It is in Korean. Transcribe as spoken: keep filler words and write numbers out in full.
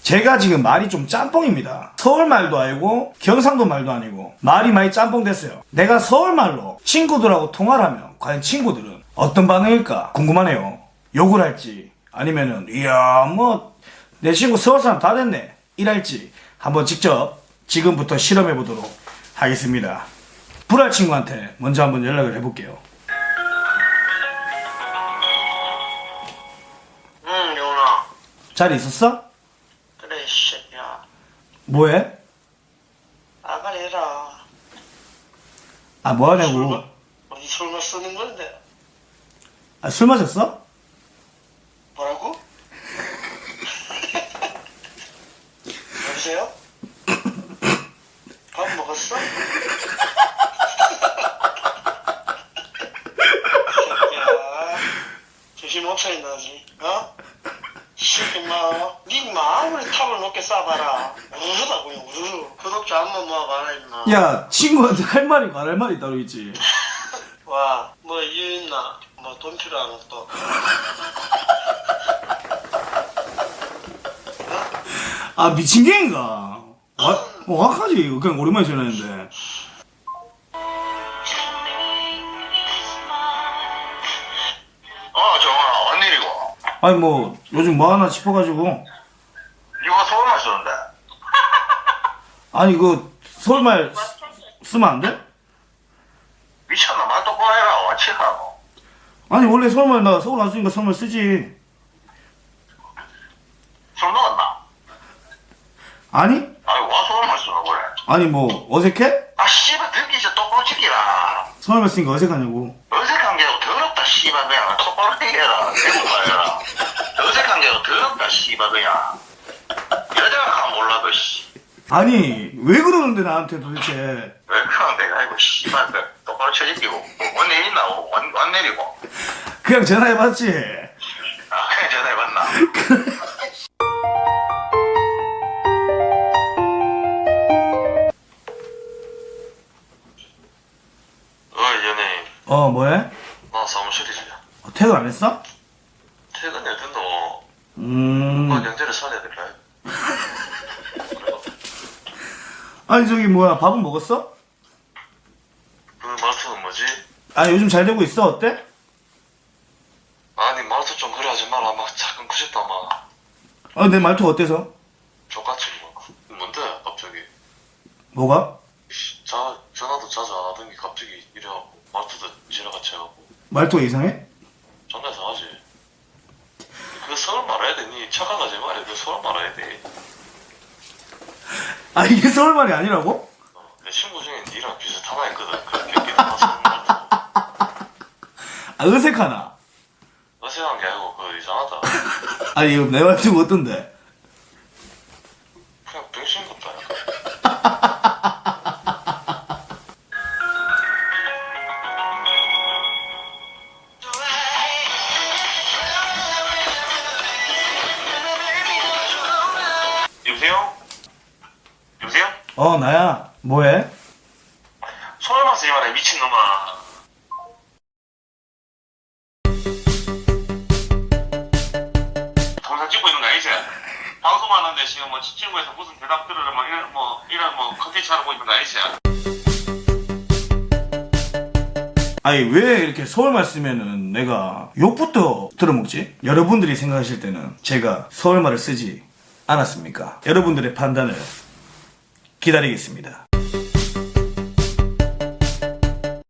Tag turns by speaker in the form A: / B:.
A: 제가 지금 말이 좀 짬뽕입니다. 서울 말도 아니고 경상도 말도 아니고 말이 많이 짬뽕 됐어요. 내가 서울 말로 친구들하고 통화를 하면 과연 친구들은 어떤 반응일까 궁금하네요. 욕을 할지 아니면은 이야 뭐 내 친구 서울 사람 다 됐네 이랄지 한번 직접 지금부터 실험해 보도록 하겠습니다. 불알 친구한테 먼저 한번 연락을 해볼게요.
B: 응, 영훈아.
A: 잘 있었어?
B: 그래, 이 새끼야.
A: 뭐해?
B: 아가리 해라.
A: 아 뭐하냐고.
B: 어디 술만 쓰는 건데.
A: 아, 술 마셨어?
B: 뭐라고? 여보세요? 밥 먹었어? 새끼야. 정신 못 차린다지, 어? 새끼, 마. 니, 마, 아무리 탑을 높게 쏴봐라. 우르르다, 그냥 우르르. 구독자 한 번 모아봐라, 임마.
A: 야 친구한테 할 말이 안 할 말이 따로 있지.
B: 와, 뭐 이유 있나? 뭐 돈 필요하나 또?
A: 아 미친 개인가? 와, 정확하지. 그냥 오랜만에 전화했는데.
C: 어, 정아, 웬일이고?
A: 아니 뭐 요즘 뭐 하나 싶어가지고.
C: 이거 서울말 쓰는데?
A: 아니 그 서울말 쓰면 안 돼?
C: 미쳤나? 말 똑바로 해라. 와치하고.
A: 아니 원래 서울말 나 서울 왔으니까 서울말 쓰지.
C: 술 먹었나?
A: 아니?
C: 아니, 와 서울말 쓰는 그래?
A: 아니 뭐 어색해?
C: 아, 씨발, 듣기 진짜 똑바로 지키라.
A: 서울말 쓰니까 어색하냐고.
C: 어색한 게 아니고 더럽다, 씨발, 그냥. 똑바로 해라. 대국말 해라. 어색한 게 아니고 더럽다, 씨발, 그냥. 여자가 가 몰라도, 씨.
A: 아니 왜 그러는데 나한테 도대체.
C: 왜 그런 내가 이거, 씨발, 그 똑바로 쳐지키고. 원내 있나? 원, 원 내리고.
A: 그냥 전화해봤지.
C: 아, 그냥 전화해봤나? 어이, 연예인.
A: 어 뭐해?
C: 나 사무실이지.
A: 어, 퇴근 안 했어?
C: 퇴근해야 된다. 뭐.
A: 음.
C: 나 경제를 살려야 될까?
A: 아니 저기 뭐야 밥은 먹었어?
C: 그 말투는 뭐지?
A: 아 요즘 잘 되고 있어 어때?
C: 아니 말투 좀 그래 하지 마라. 막 자꾸 크셨다 막.
A: 어 내 말투가 어때서?
C: 족같이 막. 뭔데 갑자기?
A: 뭐가?
C: 씨, 자 전화도 자주 안 하던 게 갑자기 이래갖고 말투도 지나같이 해갖고
A: 말투가 이상해?
C: 존나 이상하지. 그 서울 말해야 되니 착각하지 말해. 그 서울 말해야 돼.
A: 아 이게 서울말이 아니라고?
C: 어, 내 친구 중에 니랑 비슷하나 했거든. 그 경기도 가서 말투.
A: 아 어색하나?
C: 어색한 게 아니고 그 이상하다.
A: 아니 이거 내 말투가 어떤데?
C: 그냥 병신 같다. 약간. 여보세요? 여보세요?
A: 어 나야 뭐해?
C: 서울만 쓰지 마라 미친놈아. 동상 찍고 있는 거 아니지? 방송하는데 지금 뭐 친구에서 무슨 대답 들으러 막 이런 뭐 이런 뭐 컨텐츠 하고 있는 거 아니지?
A: 아니 왜 이렇게 서울말 쓰면은 내가 욕부터 들어먹지? 여러분들이 생각하실 때는 제가 서울말을 쓰지 않았습니까? 여러분들의 판단을 기다리겠습니다.